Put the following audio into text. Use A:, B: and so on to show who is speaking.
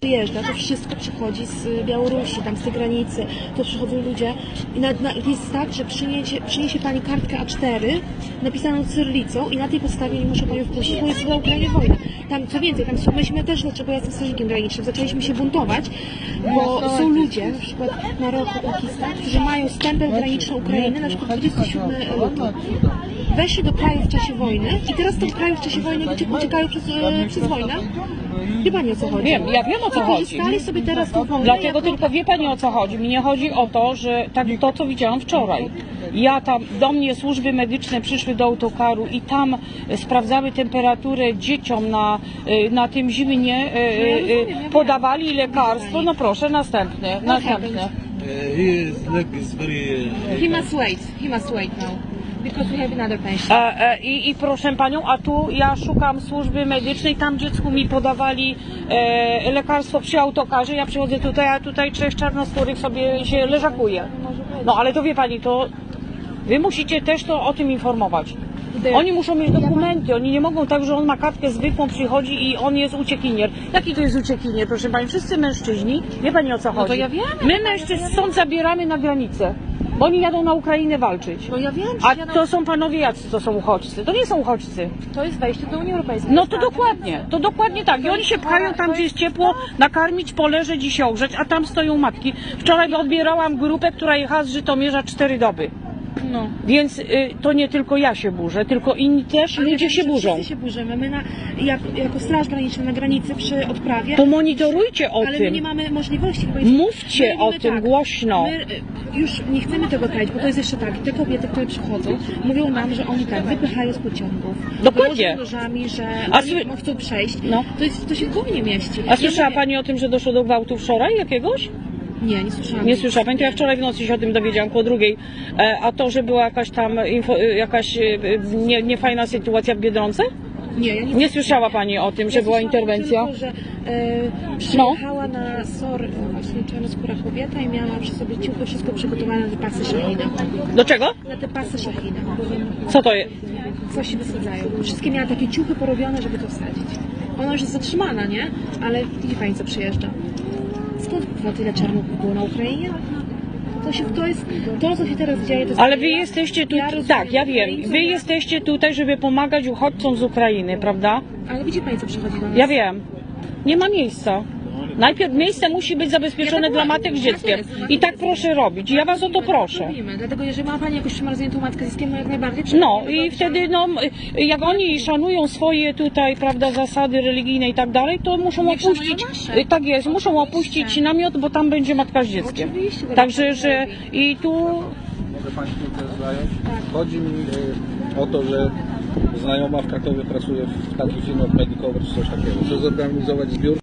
A: przyjeżdża, to wszystko przychodzi z Białorusi, tam z tej granicy, to przychodzą ludzie i jest tak, że przyniesie pani kartkę A4 napisaną cyrylicą i na tej podstawie nie muszę panią wpuścić, bo jest na Ukrainie wojna. Tam, co więcej, tam myśmy też, dlaczego ja jestem strażnikiem granicznym, zaczęliśmy się buntować, bo są ludzie, na przykład Maroko, Pakistan, którzy mają stempel graniczny Ukrainy, na przykład 27 luty. Weszli do kraju w czasie wojny i teraz z tych krajów w czasie wojny uciekają przez wojnę. Wie pani, o co chodzi?
B: Wiem, ja wiem, o co chodzi.
A: Wykorzystali sobie teraz tą wojnę.
B: Dlatego tylko wie pani, o co chodzi. Mi nie chodzi o to, że tak to, co widziałam wczoraj. Ja tam, do mnie służby medyczne przyszły do autokaru i tam sprawdzały temperaturę dzieciom na tym zimnie, podawali lekarstwo. No proszę, następne.
A: He must wait now. Because we have another patient.
B: I proszę panią, a tu ja szukam służby medycznej, tam dziecku mi podawali lekarstwo przy autokarze, ja przychodzę tutaj, a tutaj 3 czarnoskórych sobie się leżakuje. No ale to wie pani, to wy musicie też to o tym informować. Oni muszą mieć dokumenty, oni nie mogą tak, że on ma kartkę zwykłą, przychodzi i on jest uciekinier. Jaki to jest uciekinier, proszę pani? Wszyscy mężczyźni, wie pani, o co chodzi?
A: No to ja wiem.
B: My mężczyzn stąd zabieramy na granicę. Bo oni jadą na Ukrainę walczyć.
A: No ja wiem,
B: a to są panowie jacy, to są uchodźcy. To nie są uchodźcy.
A: To jest wejście do Unii Europejskiej.
B: No to dokładnie tak. I oni się pchają tam, gdzie jest ciepło, nakarmić, poleżeć i się ogrzeć, a tam stoją matki. Wczoraj odbierałam grupę, która jechała z Żytomierza 4 doby.
A: No.
B: Więc to nie tylko ja się burzę, tylko inni też ludzie się burzą.
A: Wszyscy się burzymy. My jako Straż Graniczna na granicy przy odprawie.
B: To monitorujcie o
A: ale
B: tym.
A: my nie mamy możliwości.
B: Mówcie o tym głośno.
A: My już nie chcemy tego kraić, bo to jest jeszcze tak. Te kobiety, które przychodzą, mówią nam, że oni tak wypychają z pociągów.
B: Dokładnie.
A: Nożami, że oni chcą przejść.
B: No.
A: To się w głowie nie mieści.
B: A słyszała pani o tym, że doszło do gwałtu wczoraj jakiegoś?
A: Nie, nie słyszałam.
B: Nie słyszała pani, to ja wczoraj w nocy się o tym dowiedziałam, koło 2:00. A to, że była jakaś tam jakaś niefajna sytuacja w Biedronce?
A: Nie, ja
B: nie słyszała pani o tym, że była interwencja?
A: Tylko, że przyjechała na SOR właśnie czarnoskóra kobieta i miała przy sobie ciuchy, wszystko przygotowane na te pasy Szahina.
B: Do czego?
A: Na te pasy Szahina.
B: Co to jest?
A: Coś się wysadzają. Wszystkie miała takie ciuchy porobione, żeby to wsadzić. Ona już jest zatrzymana, nie? Ale widzi pani, co przyjeżdża. Skąd tyle czarnuchów było na Ukrainie? To, co się teraz dzieje, to jest...
B: Ale wy jesteście tu, tak, ja wiem, wy jesteście tutaj, żeby pomagać uchodźcom z Ukrainy, prawda?
A: Ale widzi pani, co przychodzi do nas?
B: Ja wiem. Nie ma miejsca. Najpierw miejsce musi być zabezpieczone dla matek z dzieckiem. I tak proszę robić. Ja was o to proszę.
A: Dlatego jeżeli ma pani jakąś przymarzniętą matkę z dzieckiem, jak najbardziej...
B: No i wtedy, no, jak oni szanują swoje tutaj, prawda, zasady religijne i tak dalej, to muszą opuścić... Tak jest, muszą opuścić namiot, bo tam będzie matka z dzieckiem. Także, że i tu...
C: Może Państwu też zająć? Chodzi mi o to, że znajoma w Krakowie pracuje w takich firmach Medicover czy coś takiego. Chce zorganizować zbiór